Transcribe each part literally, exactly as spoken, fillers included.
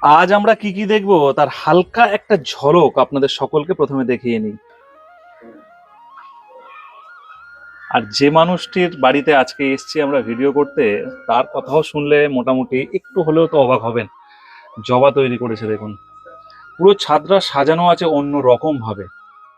আজ আমরা কি কি দেখবো তার হালকা একটা ঝলক আপনাদের সকলকে প্রথমে দেখিয়ে নিই। আর যে মানুষটির বাড়িতে আজকে এসছি আমরা ভিডিও করতে, তার কথাও শুনলে মোটামুটি একটু হলেও তো অবাক হবেন। জবা তৈরি করেছে দেখুন, পুরো ছাদটা সাজানো আছে অন্য রকম ভাবে।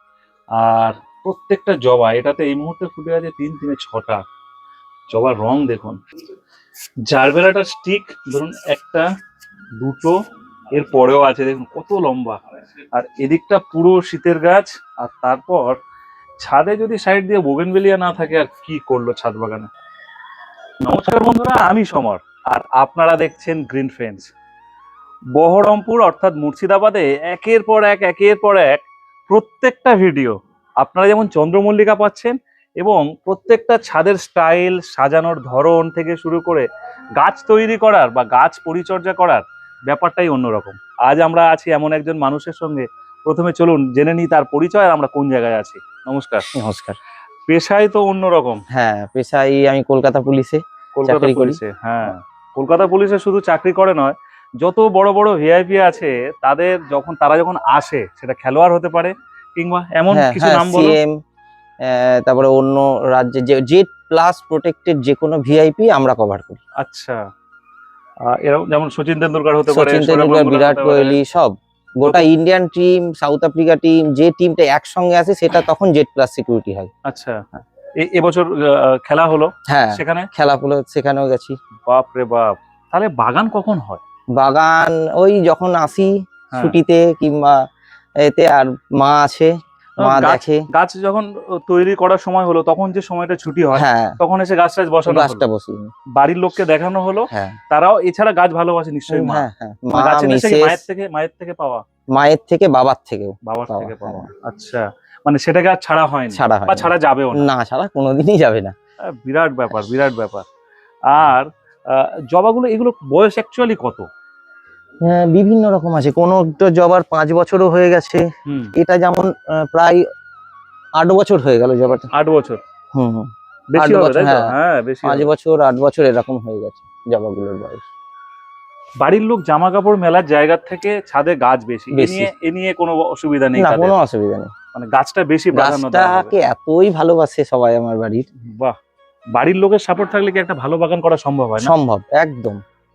আর প্রত্যেকটা জবা, এটাতে এই মুহূর্তে ফুটে আছে তিন তিনে ছটা জবার রং দেখুন। জারবেরাটা স্টিক ধরুন একটা দুটো, এর পরেও আছে দেখুন কত লম্বা। আর এদিকটা পুরো শীতের গাছ। আর তারপর ছাদে যদি সাইড দিয়ে বোগেনভেলিয়া না থাকে আর কি করলো ছাদ বাগানে। নমস্কার বন্ধুরা, আমি সমর আর আপনারা দেখছেন গ্রিন ফ্রেন্ডস। বহরমপুর অর্থাৎ মুর্শিদাবাদে একের পর এক একের পর এক প্রত্যেকটা ভিডিও আপনারা যেমন চন্দ্রমল্লিকা পাচ্ছেন, এবং প্রত্যেকটা ছাদের স্টাইল সাজানোর ধরন থেকে শুরু করে গাছ তৈরি করার বা গাছ পরিচর্যা করার ব্যাপারটাই অন্যরকম। আজ আমরা আছি এমন একজন মানুষের সঙ্গে। প্রথমে চলুন জেনে নিই তার পরিচয় আর আমরা কোন জায়গায় আছি। নমস্কার। নমস্কার। পেশায় তো অন্যরকম। হ্যাঁ, পেশায় আমি কলকাতা পুলিশে কলকাতা চাকরি করি। পুলিশে, হ্যাঁ, কলকাতা পুলিশে শুধু চাকরি করে নয়, যত বড় বড় ভিআইপি আছে তাদের যখন তারা যখন আসে, সেটা খেলোয়াড় হতে পারে কিংবা এমন হ্যাঁ কিছু হ্যাঁ নাম বলো। সিএম, তারপরে অন্য রাজ্যে যে জেড প্লাস প্রোটেক্টেড যে কোনো ভিআইপি আমরা কভার করি। আচ্ছা, আহ, এরকম যেমন সচিন তেন্ডুলকার হতে পারে, সচিন সৌরভ তেন্ডুলকার, গাঙ্গুলী বিরাট হতে পারে। কোহলি, সব গোটা যত- Indian team, South Africa team, যে টিমটা একসঙ্গে আছে সেটা তখন জেড প্লাস সিকিউরিটি হয়। আচ্ছা, এ- এবছর আহ, খেলা হলো হ্যাঁ, সেখানে। খেলা হলো, সেখানেও গেছি। বাপ রে বাপ, তাহলে বাগান কখন হয়? বাগান ওই যখন আসি হ্যাঁ। ছুটিতে কিংবা এতে, আর মা আছে, মা গাছ দেখে। গাছ যখন তৈরি করার সময় হলো তখন যে সময়টা ছুটি হয়, হ্যাঁ, তখন এসে গাছ টাছ বসানো হলো, গাছটা বসিয়ে নি। বাড়ির লোককে দেখানো হলো। হ্যাঁ তারাও এছাড়া গাছ ভালোবাসে নিশ্চয়ই মা। হ্যাঁ হ্যাঁ, মানে মা, গাছের নেশা কি মিসেস, মায়ের থেকে মায়ের থেকে পাওয়া? মায়ের থেকে, বাবার থেকেও বাবার পাওয়া, থেকে পাওয়া। হ্যাঁ। আচ্ছা, মানে সেটাকে আর ছাড়া হয়নি ছাড়া হয় বা ছাড়া যাবেও না। না, ছাড়া কোনোদিনই যাবে না। আহ, বিরাট ব্যাপার, বিরাট ব্যাপার। আর আহ, জবাগুলো এগুলো বয়স অ্যাকচুয়ালি কত? হ্যাঁ, বিভিন্ন রকম আছে, কোন জবার পাঁচ বছরও হয়ে গেছে। হুম, এটা যেমন আহ, প্রায় আট বছর হয়ে গেল জবাটা। আট বছর হুম হুম, বেশি আট হবে বছর, তাই তো? হ্যাঁ, হ্যাঁ, বেশি পাঁচ হবে। বছর আট বছর এরকম হয়ে গেছে জবাগুলোর বয়স। বাড়ির লোক জামা কাপড় মেলার জায়গা থেকে ছাদে গাছ বেশি, এ বেশি নিয়ে এ নিয়ে কোনো অসুবিধা নেই না, তাদের। কোনো অসুবিধা নেই। মানে গাছটা বেশি প্রাধান্য দেওয়া হবে। গাছটাকে এতই ভালোবাসে সবাই আমার বাড়ির। বাহ, বাড়ির লোকের সাপোর্ট থাকলে কি একটা ভালো বাগান করা সম্ভব হয় না? সম্ভব, একদম।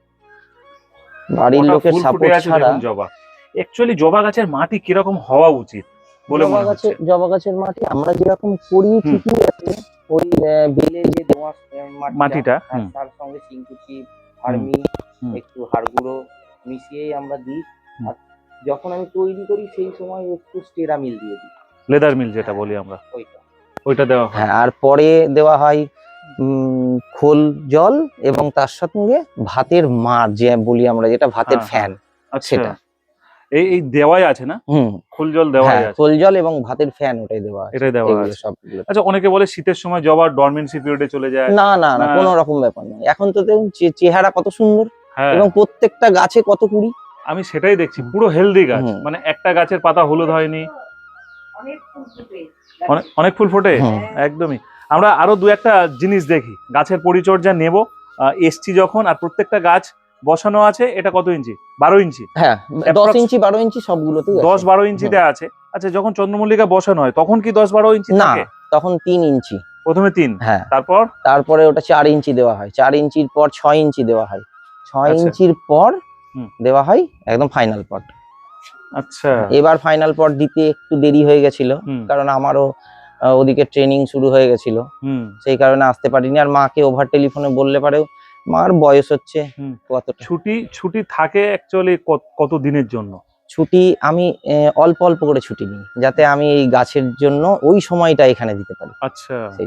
বাড়ির কটা লোকের ফুল ফুটে সাপোর্ট আছে ছাড়া। দেখুন জবা। অ্যাকচুয়ালি জবা গাছের মাটি কিরকম হওয়া উচিত বলে জবা মনে হচ্ছে? গাছের জবা গাছের মাটি আমরা যেরকম করি হুম। ঠিকই আছে। ওই আহ, বেলে যে দোআঁশ আহ, মাটিটা, মাটিটা, আর হুম। তার সঙ্গে চিংকুচি, ভার্মি, হুম। একটু হাড় গুঁড়ো মিশিয়েই আমরা দিই। হুম। আর যখন আমি তৈরি করি সেই সময় একটু স্টেরামিল দিয়ে দিই, লেদার মিল যেটা বলি আমরা, ওইটা। ওইটা দেওয়া হয়। হ্যাঁ, আর পরে দেওয়া হয় উম, খোল জল, এবং তার সঙ্গে ভাতের মার যে বলি আমরা, যেটা ভাতের হ্যাঁ, ফ্যান, আচ্ছা, সেটা। এই এই দেওয়াই আছে না? হুম, খোল জল দেওয়াই হ্যাঁ, আছে। খোল জল এবং ভাতের ফ্যান, ওটাই দেওয়া আছে, এটাই দেওয়া এগুলো আছে। সবগুলো। আচ্ছা, অনেকে বলে শীতের সময় জবা ডরমেন্সি পিরিয়ডে চলে যায়। না না না, না। কোনো রকম ব্যাপার নয়। এখন তো দেখুন চে- চেহারা কত সুন্দর, হ্যাঁ, এবং প্রত্যেকটা গাছে কত কুড়ি। আমি সেটাই দেখছি, পুরো হেলদি গাছ। হুম। মানে একটা গাছের পাতা হলুদ হয়নি, অনেক অনেক ফুল ফোটে। হুম। একদমই। আমরা আরো দু একটা জিনিস দেখি, গাছের পরিচর্যা নেব। আহ, এসছি যখন, আর প্রত্যেকটা গাছ বসানো আছে। এটা কত ইঞ্চি? বারো ইঞ্চি? হ্যাঁ, দশ Approx ইঞ্চি বারো ইঞ্চি সবগুলোতেই আছে। দশ বারো ইঞ্চিতে আছে। আচ্ছা, যখন চন্দ্রমল্লিকা বসানো হয় তখন কি দশ বারো ইঞ্চি না, থাকে? তখন তিন ইঞ্চি। প্রথমে তিন, হ্যাঁ, তারপর তারপরে ওটা চার ইঞ্চি দেওয়া হয়, চার ইঞ্চির পর ছয় ইঞ্চি দেওয়া হয়, ছয় আচ্ছা। ইঞ্চির পর হুম। দেওয়া হয় একদম ফাইনাল পট। আচ্ছা। এবার ফাইনাল পট দিতে একটু দেরি হয়ে গেছিল, হুম। কারণ আমারও আহ, ওদিকে ট্রেনিং শুরু হয়ে গেছিল, হুম। সেই কারণে আসতে পারিনি। আর মাকে ওভার টেলিফোনে বললে পারেও, মার বয়স হচ্ছে হুম। কতটা। ছুটি ছুটি থাকে অ্যাকচুয়ালি কত দিনের জন্য? ছুটি আমি আহ, অল্প অল্প করে ছুটি নিই, যাতে আমি এই গাছের জন্য ওই সময়টা এখানে দিতে পারি। আচ্ছা, সেই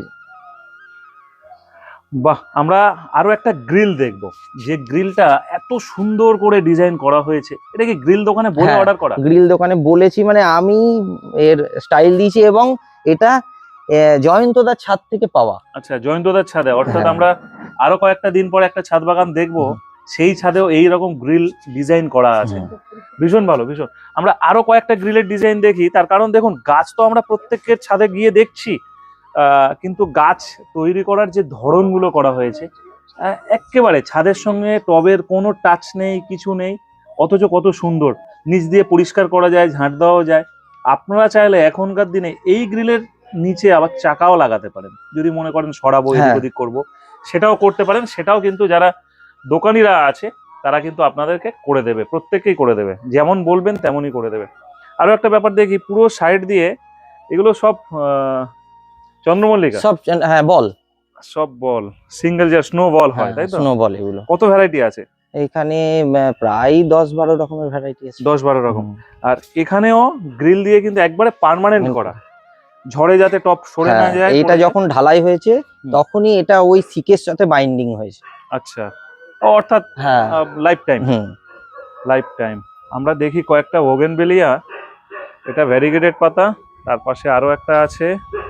বাহ। আমরা আরো একটা গ্রিল দেখব, যে গ্রিলটা এত সুন্দর করে ডিজাইন করা হয়েছে। এটা কি গ্রিল দোকানে বলে হ্যাঁ, অর্ডার করা? গ্রিল দোকানে বলেছি, মানে আমি এর স্টাইল দিয়েছি, এবং এটা আহ, জয়ন্তদার ছাদ থেকে পাওয়া। আচ্ছা, জয়ন্তদার ছাদে, অর্থাৎ হ্যাঁ। আমরা আরো কয়েকটা দিন পর একটা ছাদ বাগান দেখবো, সেই ছাদেও এই রকম গ্রিল ডিজাইন করা আছে। হুম। ভীষণ ভালো, ভীষণ। আমরা আরো কয়েকটা গ্রিলের ডিজাইন দেখি, তার কারণ দেখুন গাছ তো আমরা প্রত্যেকের ছাদে গিয়ে দেখছি, আহ, কিন্তু গাছ তৈরি করার যে ধরনগুলো করা হয়েছে, আহ, এক্কেবারে ছাদের সঙ্গে টবের কোনো টাচ নেই, কিছু নেই। অথচ কত সুন্দর, নিচ দিয়ে পরিষ্কার করা যায়, ঝাঁট দেওয়াও যায়। আপনারা চাইলে এখনকার দিনে এই গ্রিলের নিচে আবার চাকাও লাগাতে পারেন, যদি মনে করেন সরাবো এদিক হ্যাঁ। ওদিক করবো, সেটাও করতে পারেন। সেটাও কিন্তু যারা দোকানিরা আছে তারা কিন্তু আপনাদেরকে করে দেবে, প্রত্যেককেই করে দেবে, যেমন বলবেন তেমনই করে দেবে। আরো একটা ব্যাপার দেখি, পুরো সাইড দিয়ে এগুলো সব আহ, চন্দ্রমল্লিকা, সব হ্যাঁ বল, সব বল, সিঙ্গেল যে স্নো বল হয়, তাই তো? স্নো বল এগুলো। কত ভ্যারাইটি আছে? এখানে আহ, প্রায় দশ বারো রকমের ভ্যারাইটি আছে। দশ বারো রকম। আর এখানেও গ্রিল দিয়ে কিন্তু একবারে পার্মানেন্ট করা, ঝড়ে যাতে টপ সরে না যায়। এইটা যখন ঢালাই হয়েছে তখনই এটা ওই সিকের সাথে বাইন্ডিং হয়েছে। আচ্ছা, অর্থাৎ হ্যাঁ life time, hmm life time. আমরা দেখি কয়েকটা বোগেনভেলিয়া, এটা ভ্যারিগেটেড পাতা, তার পাশে আরো একটা আছে,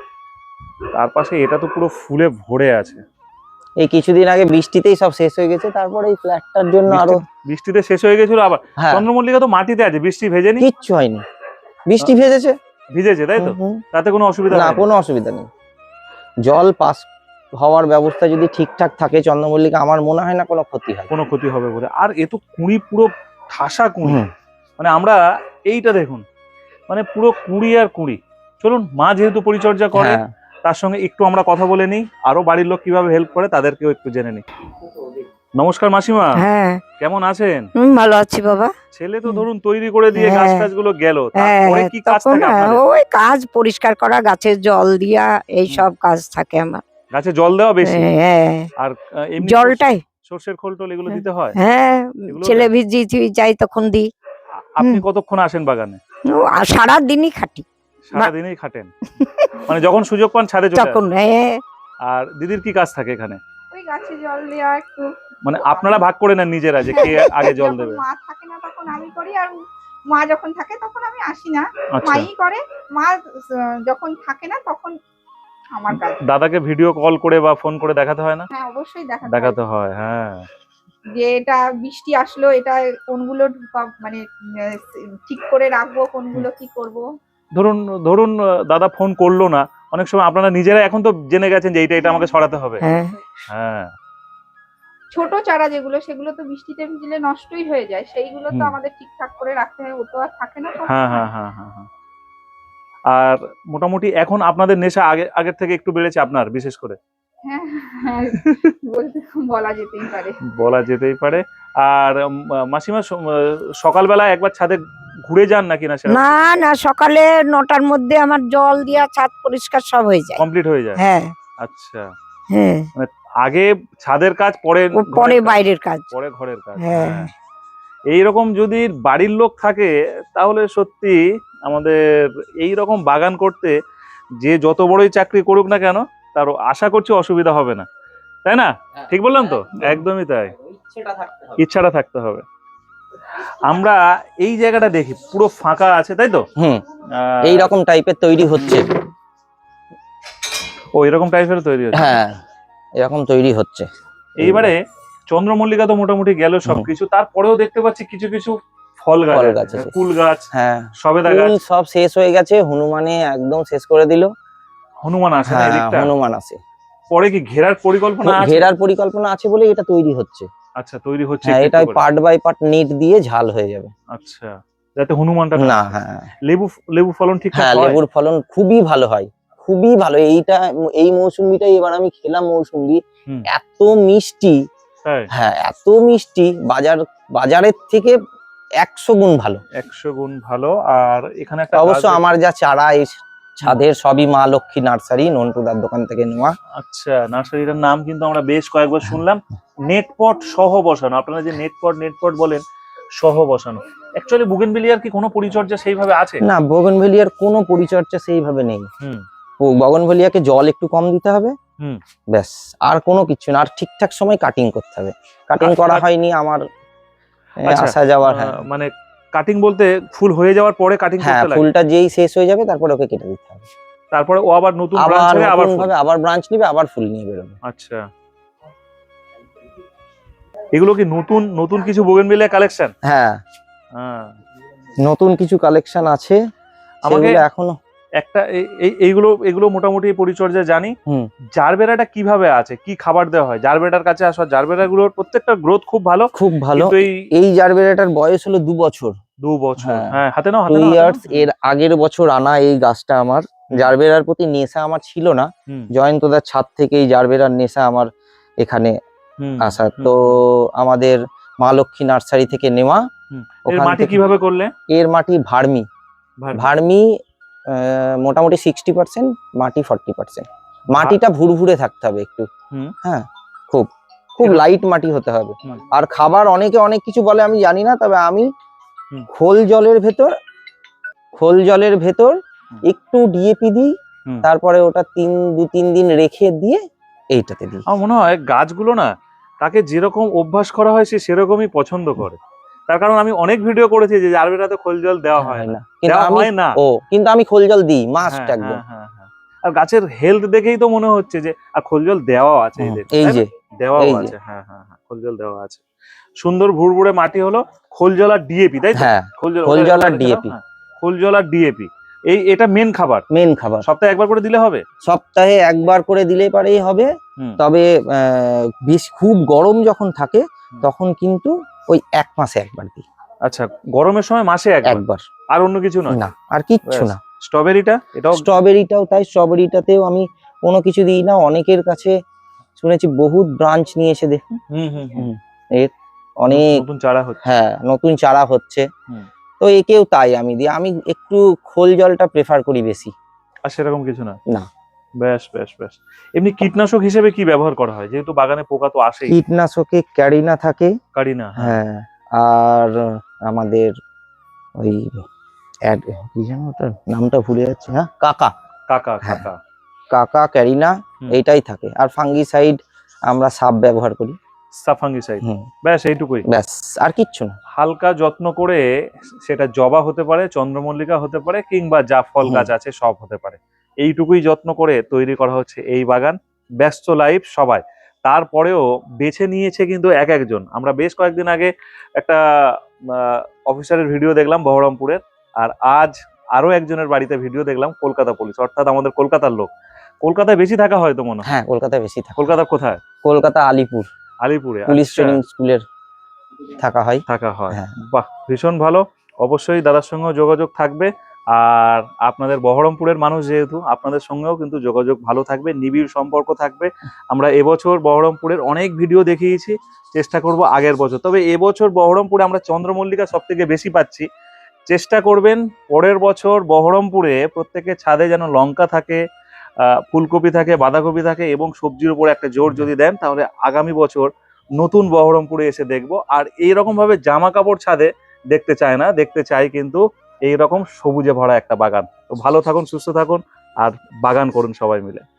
তার পাশে এটা তো পুরো ফুলে ভরে আছে। এই কিছুদিন আগে বৃষ্টিতেই সব শেষ হয়ে গেছে, তারপরে এই ফ্ল্যাটটার জন্য আরো বৃষ্টি- বৃষ্টিতে শেষ হয়ে গেছিল আবার। হ্যাঁ চন্দ্রমল্লিকা তো মাটিতে আছে, বৃষ্টি ভেজেনি, কিচ্ছু হয়নি, বৃষ্টি ভেজেছে ভিজেছে তাই তো, হুম, হুম। তাতে কোনো অসুবিধা না হয়নি। কোনো অসুবিধা নেই, জল পাস হওয়ার ব্যবস্থা যদি ঠিকঠাক থাকে চন্দ্রমল্লিকা আমার মনে হয় না কোনো ক্ষতি হয়। কোনো ক্ষতি হবে বলে। আর এ তো কুঁড়ি, পুরো ঠাসা কুঁড়ি, হুম, মানে আমরা এইটা দেখুন, মানে পুরো কুঁড়ি আর কুঁড়ি। চলুন, মা যেহেতু পরিচর্যা করে হ্যাঁ তার সঙ্গে একটু আমরা কথা বলে নিই, আরো বাড়ির লোক কিভাবে হেল্প করে তাদেরকেও একটু জেনে নিই। নমস্কার মাসিমা, হ্যাঁ কেমন আছেন? হুম, ভালো আছি বাবা। ছেলে তো ধরুন তৈরি করে দিয়ে হ্যাঁ। গাছ টাছগুলো গেল, হ্যাঁ তারপরে কি কাজ তখন থাকে আপনাদের? ওই কাজ পরিষ্কার করা, গাছের জল দিয়া, এই সব কাজ থাকে আমার। গাছে জল দেওয়া বেশি, হ্যাঁ আর আহ, এমনি জলটাই সর্ষের খোল টোল এগুলো দিতে হয়? হ্যাঁ এগুলো ছেলে দেয়? ভিজি টিজি যাই তখন দিই। আ- আপনি কতক্ষণ আসেন বাগানে? ও, আর সারাদিনই খাটি সারাদিনই খাটেন, মানে যখন সুযোগ পান ছাদে চলে তখন। আসেন। হ্যাঁ আর দিদির কি কাজ থাকে এখানে? ওই গাছে জল দেওয়া একটু। মানে আপনারা ভাগ করে নেন নিজেরা যে কে আগে জল যখন দেবে? মা থাকে না তখন আমি করি, আর মা যখন থাকে তখন আমি আসি না, আচ্ছা, মাই করে। মা আহ, যখন থাকে না তখন আমার কাজ। দাদাকে ভিডিও কল করে বা ফোন করে দেখাতে হয় না? হ্যাঁ অবশ্যই দেখা দেখাতে হয়, হ্যাঁ। যে এটা বৃষ্টি আসলো, এটা কোনগুলো ঢুকা- মানে আহ, ঠিক করে রাখবো, কোনগুলো কি করব। ধরুন ধরুন আহ, দাদা ফোন করলো না, অনেক সময় আপনারা নিজেরা এখন তো জেনে গেছেন যে এইটা এটা আমাকে সরাতে হবে। হ্যাঁ হ্যাঁ, ছোট চারা যেগুলো, সেগুলো তো বৃষ্টিতে ভিজলে নষ্টই হয়ে যায়, সেইগুলো তো হুম। আমাদের ঠিকঠাক করে রাখতে হয়, ও তো আর থাকে না সব হ্যাঁ, সময়। হ্যাঁ, হ্যাঁ, হ্যাঁ, হ্যাঁ। আর মোটামুটি এখন আপনাদের নেশা আগে আগের থেকে একটু বেড়েছে আপনার, বিশেষ করে হ্যাঁ হ্যাঁ, বলতে বলা যেতেই পারে। বলা যেতেই পারে। আর উম, মাসিমা স- আহ, সকালবেলা একবার ছাদে ঘুরে যান নাকি না? সেটা না না সকালে নটার মধ্যে আমার জল দিয়া ছাদ পরিষ্কার সব হয়ে যায়। কমপ্লিট হয়ে যায়? হ্যাঁ আচ্ছা, হ্যাঁ আগে ছাদের কাজ, পরে ও ঘরের পরে কাজ, বাইরের কাজ। পরে ঘরের কাজ। হ্যাঁ। হ্যাঁ, এইরকম যদি বাড়ির লোক থাকে তাহলে সত্যি আমাদের এই রকম বাগান করতে যে যত বড়ই চাকরি করুক না কেন, তার আশা করছি অসুবিধা হবে না, তাই না? ঠিক বললাম তো? একদমই তাই, ইচ্ছাটা থাকতে হবে। আমরা এই জায়গাটা দেখি পুরো ফাঁকা আছে, তাই তো? হুম আহ, এই রকম টাইপের তৈরি হচ্ছে। ও এরকম টাইপের তৈরি হচ্ছে। হ্যাঁ এরকম তৈরি হচ্ছে। এইবারে চন্দ্রমল্লিকা তো মোটামুটি গেল সবকিছু, তারপরেও দেখতে পাচ্ছি কিছু কিছু ফল গাছ ফল আছে, গাছ আছে। কুল গাছ, হ্যাঁ সবেদা গাছ। ফুল সব শেষ হয়ে গেছে, হনুমানে একদম শেষ করে দিল। হনুমান আসে না হ্যাঁ এদিকটা? হনুমান আছে, পরে কি ঘেরার পরিকল্পনা আছে? ঘেরার পরিকল্পনা আছে বলে এটা তৈরি হচ্ছে। আচ্ছা, তৈরি হচ্ছে হ্যাঁ একটু এটা একটু করে। পার্ট বাই পার্ট নেট দিয়ে ঝাল হয়ে যাবে। আচ্ছা, যাতে হনুমানটা না না আসে। হ্যাঁ লেবু লেবু ফলন ঠিকঠাক হ্যাঁ হয়? লেবুর ফলন খুবই ভালো হয়, খুবই ভালো। এইটা এই মৌসুম্বিটাই এবার আমি খেলাম, মৌসুম্বি হুম। এত মিষ্টি, তাই? হ্যাঁ এত মিষ্টি, বাজার বাজারের থেকে একশো গুণ ভালো। একশো গুণ ভালো। আর এখানে একটা অবশ্য গাছ দেখ- আমার যা চারা এই ছাদের সবই মা লক্ষ্মী নার্সারি, নন্টুদার দোকান থেকে নেওয়া। আচ্ছা, নার্সারিটার নাম কিন্তু আমরা বেশ কয়েকবার শুনলাম, নেটপট সহ বসানো। আপনারা যে নেটপট নেটপট বলেন, সহ বসানো। অ্যাকচুয়ালি বুগেনভিলিয়ার কি কোনো পরিচর্যা সেইভাবে আছে? না বোগনভেলিয়ার কোনো পরিচর্যা সেইভাবে নেই। হুম। ও বগনভেলিয়াকে জল একটু কম দিতে হবে, হুম। ব্যাস, আর কোনো কিছু না। আর ঠিকঠাক সময় কাটিং করতে হবে, কাটিং কাট- করা কাট- হয়নি আমার এ, আচ্ছা, আসা যাওয়ার। হ্যাঁ আহ, মানে কাটিং বলতে ফুল হয়ে যাওয়ার পরে কাটিং হ্যাঁ করতে লাগে, ফুলটা যেই শেষ হয়ে যাবে তারপরে ওকে কেটে দিতে হবে, তারপরে ও আবার নতুন আবার ব্রাঞ্চ হবে, আবার নতুন ফুল। ভাবে আবার ব্রাঞ্চ নিবে, আবার ফুল নিয়ে বেরোবে। আচ্ছা, এগুলো কি নতুন নতুন কিছু বোগেনভিলিয়া কালেকশন? হ্যাঁ হ্যাঁ, নতুন কিছু কালেকশন আছে, আমাকে সেগুলো এখনো একটা এই- এই- এইগুলো এগুলো মোটামুটি পরিচর্যা জানি। হুম। জারবেরাটা কিভাবে আছে, কি খাবার দেওয়া হয় জারবেরার কাছে আসা? জারবেরা গুলোর প্রত্যেকটা গ্রোথ খুব ভালো, খুব ভালো। কিন্তু এই এই জারবেরাটার বয়স হলো দু বছর, দু বছর হ্যাঁ। হ্যাঁ হাতে নাও টু হাতে নাও, হাতে নাও। ইয়ার্স। এর আগের বছর আনা এই গাছটা আমার। হুম। জারবেরার প্রতি নেশা আমার ছিল না, হুম, জয়ন্তদার ছাদ থেকে এই জারবেরার নেশা আমার এখানে হুম, আসা। হুম, তো আমাদের মা লক্ষ্মী নার্সারি থেকে নেওয়া। হুম। এর ওখান মাটি থেকে- কিভাবে করলে? এর মাটি ভার্মি, ভার্মি। ভার্মি আহ, মোটামুটি সিক্সটি পার্সেন্ট, মাটি ফর্টি পার্সেন্ট। মাটিটা ভুরভুরে থাকতে হবে একটু, হুম। হ্যাঁ, খুব খুব এটা- লাইট মাটি হতে হবে। হুম। আর খাবার অনেকে অনেক কিছু বলে, আমি জানি না, তবে আমি হুম। খোল জলের ভেতর খোল জলের ভেতর হুম। একটু ডিএপি দিই, হুম। তারপরে ওটা তিন দু তিন দিন রেখে দিয়ে এইটাতে দিই। আমার মনে হয় গাছগুলো না, তাকে যেরকম অভ্যাস করা হয় সে সেরকমই পছন্দ করে। তার কারণ আমি অনেক ভিডিও করেছি যে জারবেরাতে খোল জল দেওয়া হয় না, কিন্তু দেওয়া আমি হয় না। ও কিন্তু আমি খোল জল দিই মাস্ট হ্যাঁ, একদম। হ্যাঁ, হ্যাঁ, হ্যাঁ। আর গাছের হেলথ দেখেই তো মনে হচ্ছে যে, আর খোল জল দেওয়াও আছে হুম, এদের, এই তাই না? যে দেওয়াও এই যে। আছে, হ্যাঁ হ্যাঁ হ্যাঁ, খোল জল দেওয়া আছে। সুন্দর ভুরভুরে মাটি হলো, খোল জল আর ডিএপি, তাই তো? হ্যাঁ, খোল জল খোল ওটা- জল ওটা আর লিখে দাও, ডিএপি। হ্যাঁ। খোল জল আর ডিএপি, এই এটা মেন খাবার। মেন খাবার সপ্তাহে একবার করে দিলে হবে? সপ্তাহে একবার করে দিলে পারেই হবে। হুম। তবে আহ, বেশ খুব গরম যখন থাকে হুম। তখন কিন্তু ওই এক মাসে একবার দিই, আচ্ছা, গরমের সময় মাসে একবার, একবার, আর অন্য কিছু নয়? না আর কিচ্ছু ব্যাস। না। স্ট্রবেরিটা এটাও স্ট্রবেরিটাও তাই, স্ট্রবেরিটাতেও আমি কোনো কিছু দিই না। অনেকের কাছে শুনেছি বহুত ব্রাঞ্চ নিয়ে এসে দেখুন, হুম হুম হুম। এর অনেক, নতুন চারা হচ্ছে। হ্যাঁ, নতুন চারা হচ্ছে। হুম। তো একেও তাই আমি দিই। আমি একটু খোল জলটা প্রেফার করি বেশি। আর সেরকম কিছু না? না। বেশ বেশ বেশ। এমনি কীটনাশক হিসেবে কি ব্যবহার করা হয়, যেহেতু বাগানে পোকা তো আসেই? কীটনাশকে ক্যারিনা থাকে, কারিনা, হ্যাঁ। হ্যাঁ, আর আমাদের ওই অ্যাড- কি যেন ওটার নামটা ভুলে যাচ্ছে, হ্যাঁ, কাকা কাকা হ্যাঁ। কাকা কাকা ক্যারিনা হুম। এইটাই থাকে। আর ফাঙ্গিসাইড আমরা সাব ব্যবহার করি। সাফাঙ্গিসাইড, হুম, ব্যাস এইটুকুই। ব্যাস, আর কিচ্ছু না। হালকা যত্ন করে, সেটা জবা হতে পারে, চন্দ্রমল্লিকা হতে পারে, কিংবা যা ফল হুম। গাছ আছে সব হতে পারে, এইটুকুই যত্ন করে তৈরি করা হচ্ছে এই বাগান। ব্যস্ত লাইফ সবাই, তারপরেও বেছে নিয়েছে কিন্তু এক একজন। আমরা বেশ কয়েকদিন আগে একটা অফিসারের ভিডিও দেখলাম বহরমপুরের, আর আজ আরো একজনের বাড়িতে ভিডিও দেখলাম কলকাতা পুলিশ, অর্থাৎ আমাদের কলকাতার লোক। কলকাতায় বেশি থাকা হয়তো মনে হয়? হ্যাঁ, কলকাতায় বেশি থাকে। কলকাতার কোথায়? কলকাতা আলিপুর আলিপুরে। পুলিশ আচ্ছা, ট্রেনিং স্কুলের থাকা হয়। থাকা হয়। হ্যাঁ। বাহ, ভীষণ ভালো। অবশ্যই দাদার সঙ্গেও যোগাযোগ থাকবে। আর আপনাদের বহরমপুরের মানুষ যেহেতু, আপনাদের সঙ্গেও কিন্তু যোগাযোগ ভালো থাকবে, নিবিড় সম্পর্ক থাকবে। আমরা এবছর বহরমপুরের অনেক ভিডিও দেখিয়েছি, চেষ্টা করব আগের বছর। তবে এবছর বহরমপুরে আমরা চন্দ্রমল্লিকা সব থেকে বেশি পাচ্ছি। চেষ্টা করবেন পরের বছর বহরমপুরে প্রত্যেকের ছাদে যেন লঙ্কা থাকে, আহ, ফুলকপি থাকে, বাঁধাকপি থাকে, এবং সবজির উপরে একটা জোর যদি দেন, তাহলে আগামী বছর নতুন বহরমপুরে এসে দেখবো। আর এইরকম ভাবে জামা কাপড় ছাদে দেখতে চায় না, দেখতে চাই কিন্তু এইরকম সবুজে ভরা একটা বাগান। তো ভালো থাকুন, সুস্থ থাকুন, আর বাগান করুন সবাই মিলে।